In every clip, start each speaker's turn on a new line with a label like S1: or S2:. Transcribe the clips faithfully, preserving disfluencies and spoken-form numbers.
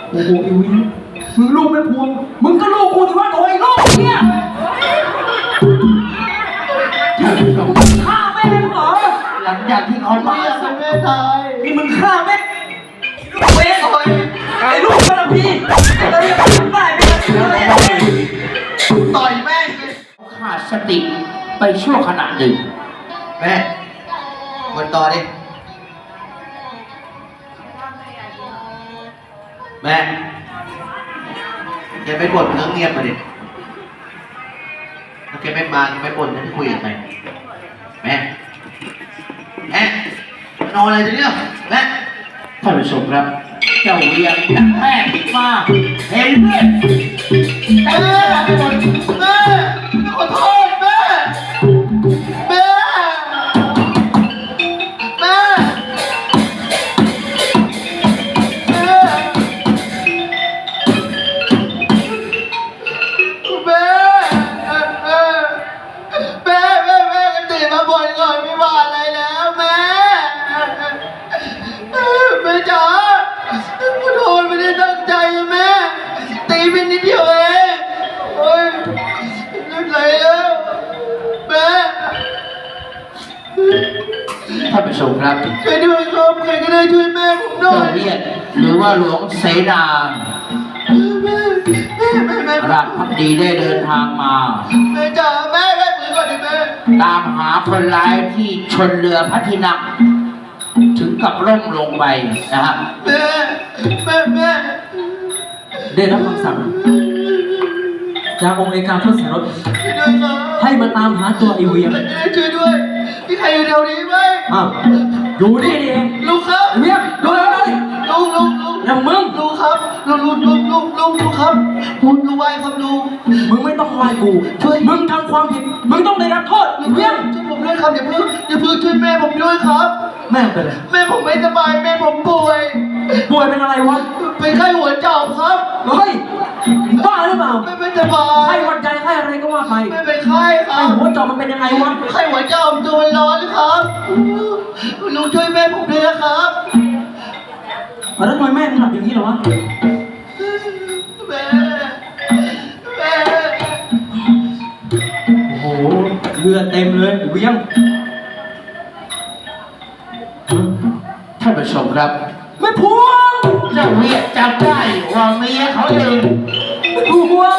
S1: โอ้โหไอ้วินมึงลูกแม่พวงมึงก็ลูกกูที่ว่าตัวไอ้ลูกเนี่ยฆ่าแม่มึงเหรอหลังจากที่เขามาแม่ตายนี่มึงฆ่าแม่ลูกเว้ยไอ้ลูกกระพีเราจะตายไปเลยต่อยแม่ขาดสติไปชั่วขณะหนึ่งแม่วนต่อดิแม่แกไม่บ่นเรื่องเงียบมาดิถ้าแกไม่มาแกไม่บ่นจะคุยกับใครแม่แม่นอนอะไรจะเนี่ยแม่ท่านผู้ชมครับเจ้าเวียงจากแม่มาเห็นเพื่อนแม่แม่ขอโทษแม่แม่แม่ท่านผู้ชมครับช่วยด้วยครับใครก็ได้ช่วยแม่ผมหน่อยเรียกหรือว่าหลวงเสนาราชพักดีได้เดินทางมาแม่จ๋าแม่แม่มือก่อนดิแม่ตามหาคนร้ายที่ชนเรือพระที่นั่งถึงกับล่มลงไปนะครับแม่แม่แม่ได้รับคำสั่งจากองค์เอกาทศรถให้มาตามหาตัวไอเวียงช่วยด้วยมีใครอยู่แถวนี้ไหมอ้าวอยู่นี่นี่เองลูกครับเวียงดูเลยลุงลุงลุงอย่างมึงลุงครับลุงลุงลุงลุงลุงลุงครับลุงลุงไหวครับลุงมึงไม่ต้องไหวกูช่วยมึงทำความผิดมึงต้องได้รับโทษเวียงช่วยผมด้วยครับอย่าเพิ่งอย่าเพิ่งช่วยแม่ผมด้วยครับแม่เป็นอะไรแม่ผมไม่สบายแม่ผมป่วยป่วยเป็นอะไรวะเป็นไข้หัวเจาะครับเฮ้ยบ้าหรือเปล่าไม่เป็นสบายไข้หวัดใจไข้อะไรก็ว่าไปไม่เป็นไข้ครับไข้หัวเจาะมันเป็นยังไงวะไข้หัวเจาะตัวมันร้อนครับลุงช่วยแม่ผมด้วยนะครับแล้วทำไมแม่ถึงหลับอย่างนี้เหรอวะแม่แม่โอ้โหเลือดเต็มเลยเวียงท่านผู้ชมครับไม่พวงเจ้าเวียจำได้ว่าเมียเขาเองไม่พวง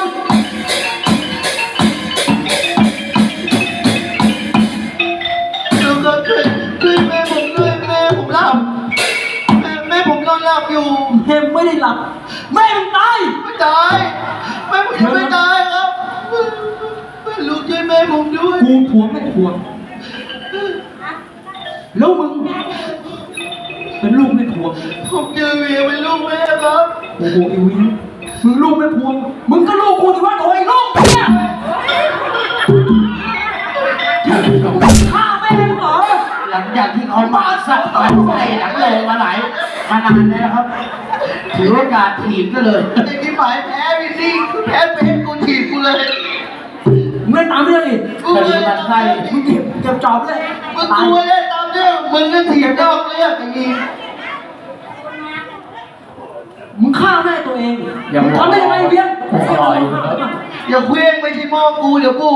S1: ดูก็ช่วยช่วยแม่ผมด้วยแม่ผมหลับแม่แม่ผมนอนหลับอยู่แม่ไม่ได้หลับแม่มึงตายไม่ตายแม่ผมยังไม่ตายครับแม่ลูกช่วยแม่ผมด้วยกูพวงไม่พวงแล้วมึงเป็นลูกแม่พวงผมเจอเวียเป็นลูกแม่ครับโอ้โหไอ้วินมึงลูกแม่พวงมึงก็ลูกกูที่ว่าตัวไอ้ลูกเนี่ยฆ่าแม่มึงเหรอหลังจากที่เขามาสัตว์ต่อยใส่หลังเลยมาหลายมานานแล้วครับถือโอกาสถีบก็เลยไอ้ที่หมายแพ้วินนี่แพ้เป็นกูถีบกูเลยมึงเล่นตามเรื่องอีกกูเลยตามใครมึงเก็บเก็บจอบเลยมึงกูเล่นตามเรื่องมึงก็เถียงนอกเรื่องอย่างนี้มึงฆ่าแม่ตัวเองทำได้ยังไงเบี้ยอย่าเคว้งไม่ใช่หม้อกูเดี๋ยวกู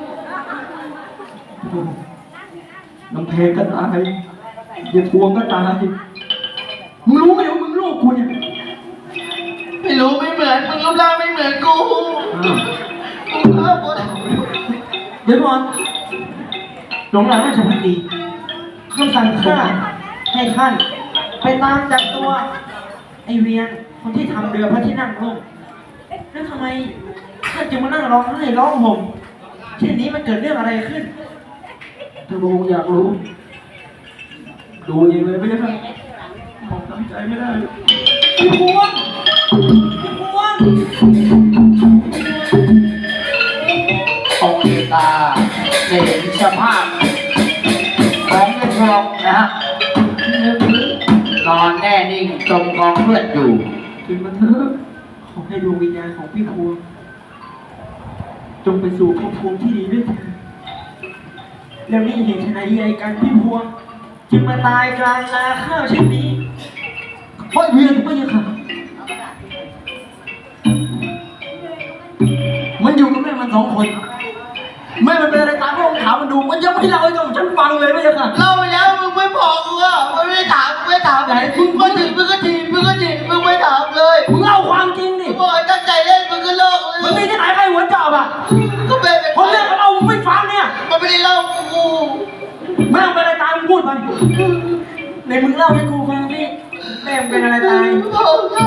S1: น้ำเพลก็ตายอย่าพวงก็ตายมึงรู้ไหมว่ามึงลูกกูเนี่ยไม่รู้ไม่เหมือนมึงรูปร่างไม่เหมือนกูเดี๋ยวก่อนหลวงราชพักดีคำสั่งข้าให้ท่านไปตามจับตัวไอเวียงคนที่ทำเรือพระที่นั่งล่มแล้วทำไมท่านจึงมานั่งร้องไห้ร้องห่มเช่นนี้มันเกิดเรื่องอะไรขึ้นถ้าพระองค์อยากรู้ดูเองเลยไม่ได้ไหมผมตั้งใจไม่ได้พี่พวงพี่พวงองค์เอกาได้เห็นสภาพของแม่พวงนะฮะนอนแน่นิ่งจมกองเลือดอยู่ถึงมันเถอะขอให้ดวงวิญญาณของพี่พวงจงไปสู่ภพภูมิที่ดีด้วยเถิดแล้วนี่เห็นชนะใหญ่กันพี่พวงจึงมาตายกลางนาข้าวเช่นนี้เพราะเวียนไม่ยังค่ะ
S2: คน ไม่มันเป็นอะไรตามที่ผมถามมันดูมันยังไม่เล่าให้กับฉันฟังเลยไม่ใช่ค่ะ
S1: เล่าไปแล้วมึงไม่บอกกูอ่ะมึงไม่ถามมึงไม่ถามไหนมึงก็ถีบมึงก็ถีบมึงก็ถีบมึงไม่ถามเลย
S2: มึงเล่าความจริงดิ
S1: มึงบอกให้ตั้งใจเล่นมึงก็เลิกเลย
S2: มันมีที่ไหนใครหัวจอบอ่ะ
S1: ก็เป็นเป็น
S2: คนเรื่องเราไม่ฟังเนี่ย
S1: มันไม่ได้เล่ากู
S2: แม่งเป็นอะไรตายมึงพูดไปในมึงเล่าให้กูฟังดิแม่งเป็นอะไรตาย
S1: บอกนะ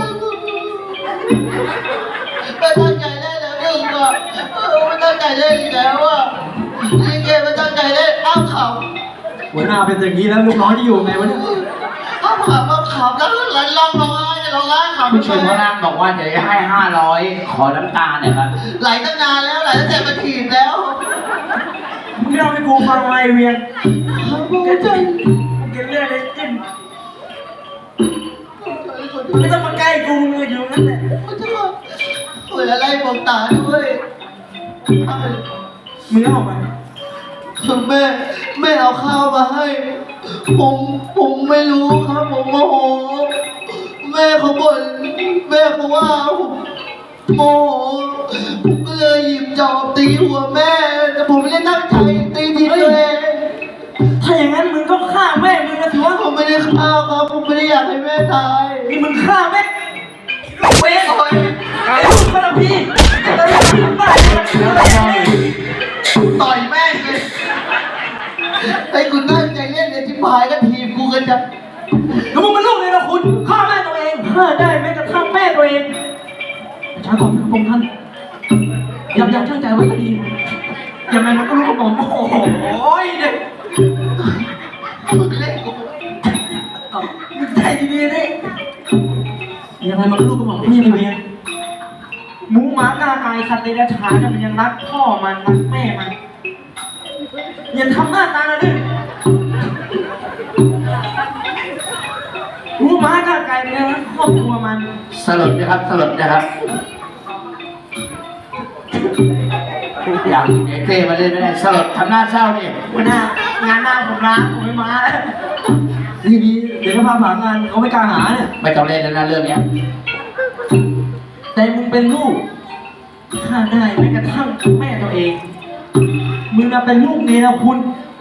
S1: ไม่ตั้งใจเล่นแล้วมึงอ่ะไม่ตั้งใจเล่นอีกแล้วอ่ะลิเกไม่ตั้งใจเล่นอ้าวขำ
S2: หัวหน้าเป็นอย่างนี้แล้วลูกน้องจะอยู่ไงวะเนี่ย
S1: อ้าวขำอ้าวขำแล้วหลังร้องร้องไห้ร้องไห้ขำ
S3: ผู้ชมพระนางบอกว่าจะให้ห้าร้อยขอน้ำตาเนี่ยครับ
S1: ไหลตั้งนานแล้วไหลตั้งแต่มาถีบแล้ว
S2: มึงเล่าให้กูฟังอะไรเวียน
S1: แกใจ
S2: กินเลือดเลยจิ้มไม่ต้องมาใกล้กูมึงอยู่นั่นแหละ
S1: เปิดอะไรบอกตาด้วย
S2: มึงเล่ามา
S1: แม่แม่เอาข้าวมาให้ ผมผมไม่รู้ครับผมโมโหแม่เขาบ่นแม่เขาว่าผมโมโหผมก็เลยหยิบจอบตีหัวแม่ แต่ผมไม่ได้ตั้งใจตีทีตัวเอง
S2: ถ้าอย่างนั้นมึงก็ฆ่าแม่มึงนะถือว่า
S1: ผมไม่ได้ฆ่าครับผมไม่ได้อยากให้แม่ตาย
S2: นี่มึงฆ่าแม่ลูกเวรไอ้ลูกพระพี่แล้วมึงทำได้ยังไง
S1: ต่อยแม่งเลยไอ้กูตั้งใจเล่นเนี่ยที่พายก็ทีมกูกันจะ
S2: แล้วมึงเป็นลูกเลยนะคุณฆ่าแม่ตัวเองฆ่าได้แม้กระทั่งแม่ตัวเองช้าก่อนนะพงษ์ท่านยับยั้งชั่งใจไว้ก็ดียังไงมันก็รู้กับผมโอ้โหเด็ก
S1: มึงเล่นกู
S2: มึงใจดีๆดิยังไงมันก็รู้กับผมพี่นี่เวียนหมูหมากาไก่สัตว์เดรัจฉานมันยังรักพ่อมันรักแม่มันอย่าทำหน้าตานะดิหมูหมากาไก่มันยังรักครอบครัวมัน
S3: สลดนะครับสลดนะครับอยากเด็กเต้มาเล่นไม่ได้สลดทำหน้าเศร้านี่
S2: วันหน้างานหน้าผมล้างผมไม่มาแล้วทีนี้เดี๋ยวก็พาผ่านงานเขาไม่กล้าหาเนี่ย
S3: ไม่ต้องเล่นแล้วนะเรื่องเนี้ย
S2: แต่มึงเป็นลูกฆ่าได้แม้กระทั่งแม่ตัวเอง มึงน่ะเป็นลูกเนรคุณ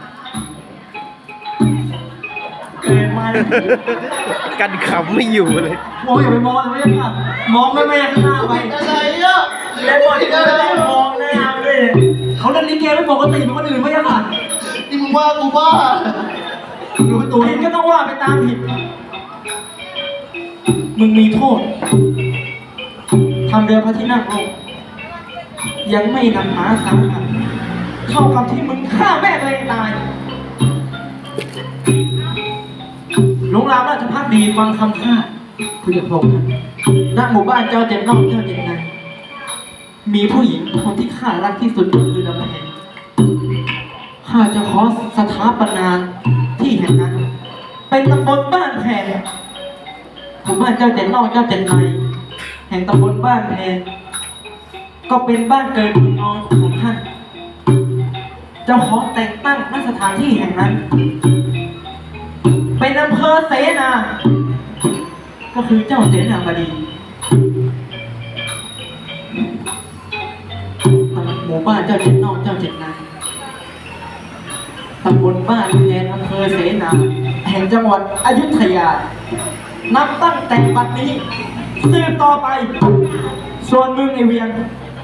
S2: เกิดมาเลย
S4: กันขำไม่อยู่เลย
S2: มองอย่าไปมองเลยไม่ได้ค่ะมองแม่แม่ข้างหน้าไป
S1: อะไรอ่ะ
S2: แล้วบอลก็ไม่ได้มองหน้าเลยเขาเล่นลิเกไม่ปกติเหมือนคนอื่นไม่ใช่ค่ะ
S1: นี่มึงว่ากูบ้า
S2: รู้ตัวเองก็ต้องว่าไปตามผิด มึงมีโทษทำเรือพระที่นั่งลงยังไม่นำหาสาหัสเท่ากับที่มึงฆ่าแม่ตัวเองตายหลวงรามราชพักดีฟังคำข้าคุยกับพงษ์ณหมู่บ้านเจ้าเจ็ดนอกเจ้าเจ็ดในมีผู้หญิงคนที่ข้ารักที่สุดก็คือลำแพงข้าจะขอสถาปนาที่แห่งนั้น เป็นตำบลบ้านแพงหมู่บ้านเจ้าเจ็ดนอกเจ้าเจ็ดในแห่งตำบลบ้านแพงก็เป็นบ้านเกิดเมืองนอนของท่านเจ้าขอแต่งตั้งณสถานที่แห่งนั้น เป็นอำเภอเสนา ก็คือเจ้าเสนาบดีหมู่บ้านเจ้าเจ็ดนอกเจ้าเจ็ดในตำบลบ้านแพนอำเภอเสนาแห่งจังหวัดอยุธยา นับตั้งแต่บัดนี้สืบต่อไป ส่วนมึงไอเวียง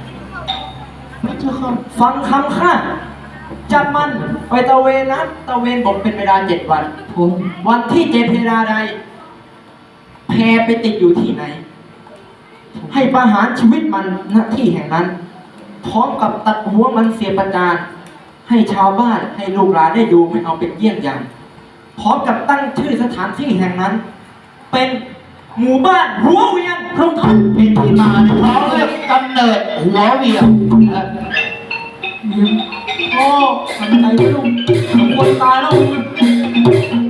S2: ฟังคำข้าจับมันไปตะเวนนะตะเวนบกเป็นเวลาเจ็ดวันผมวันที่เจ็ดเวลาใดแพไปติดอยู่ที่ไหน ให้ประหารชีวิตมันณที่แห่งนั้น พร้อมกับตัดหัวมันเสียประจานให้ชาวบ้านให้ลูกหลานได้ดูไม่เอาเป็นเยี่ยงอย่างพร้อมกับตั้งชื่อสถานที่แห่งนั้น เป็นหมู่บ้านหัวเวียงพร้อมทัน
S3: เป็นที่มาเพราะเรื่องกำเนิดหัวเวียงเอ่อ
S2: โอ้ทำใจไม่ลงสมควรตายแล้วมึง